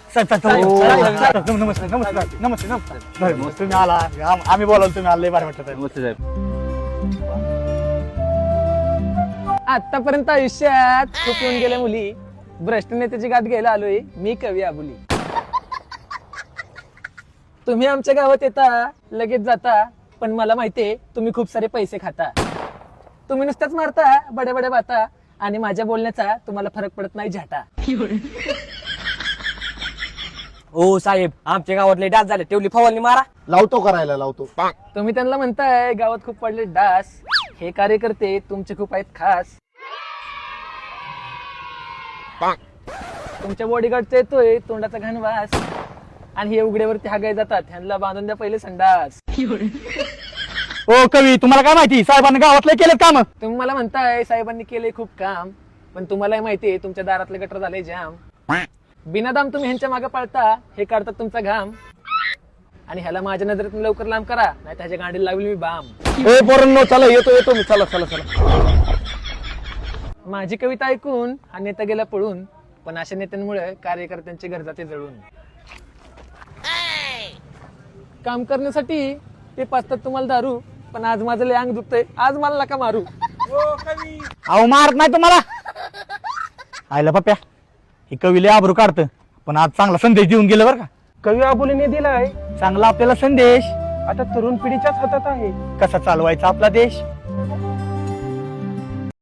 नमस्कार तुम्ही आला आम्ही बोलावलं तुम्ही आले बरं वाटत नमस्ते साहेब. आतापर्यंत आयुष्यात खूप येऊन गेल्या मुली, भ्रष्ट नेत्याची गाठ घ्यायला आलोय मी कवी आबुली. तुम्ही आमच्या गावात येता लगेच जाता, पण मला माहितीये तुम्ही खूप सारे पैसे खाता. तुम्ही नुसत्याच मारता बड्या बड्या बाता आणि माझ्या बोलण्याचा तुम्हाला फरक पडत नाही झाटा. हो साहेब, आमच्या गावातले डास झाले, तेवढी फवारणी मारा. लावतो करायला लावतो. तुम्ही त्यांना म्हणताय गावात खूप पडले डास, हे कार्यकर्ते तुमचे खूप आहेत खास. तुमच्या बॉडीगार्डचा येतोय तोंडाचा घाण वास, आणि हे उघड्यावरती हागाय जातात, ह्यांना बांधून द्या पहिले संडास. ओ कवी तुम्हाला काय माहिती साहेबांनी गावातले केलेत काम. तुम्ही मला म्हणताय साहेबांनी केले खूप काम, पण तुम्हालाही माहितीये तुमच्या दारातले गटर झाले जाम. बिनादाम तुम्ही ह्यांच्या मागे पळता, हे काढतात तुमचा घाम, आणि ह्याला माझ्या नजरेतून लवकर लांब करा, नाही त्याच्या गाडीला लावली मी बाम. ए पोरांनो चला येतो मी. चला चला चला. माझी कविता ऐकून हा नेता गेला पळून, पण अशा नेत्यांमुळे कार्यकर्त्यांचे घर जाते जळून. काम करण्यासाठी ते पाचतात तुम्हाला दारू, पण आज माझं लय अंग दुखतंय, आज मला नका मारू. अहो मारत नाही तुम्हाला. आयला पप्प्या ही कवी लय आबरू काढतं, पण आज चांगला संदेश देऊन गेलं बरं का. कवी आबोलीने दिलाय, चांगला आपल्याला संदेश आता तरुण पिढीच्याच हातात आहे. कसा चालवायचा आपला देश.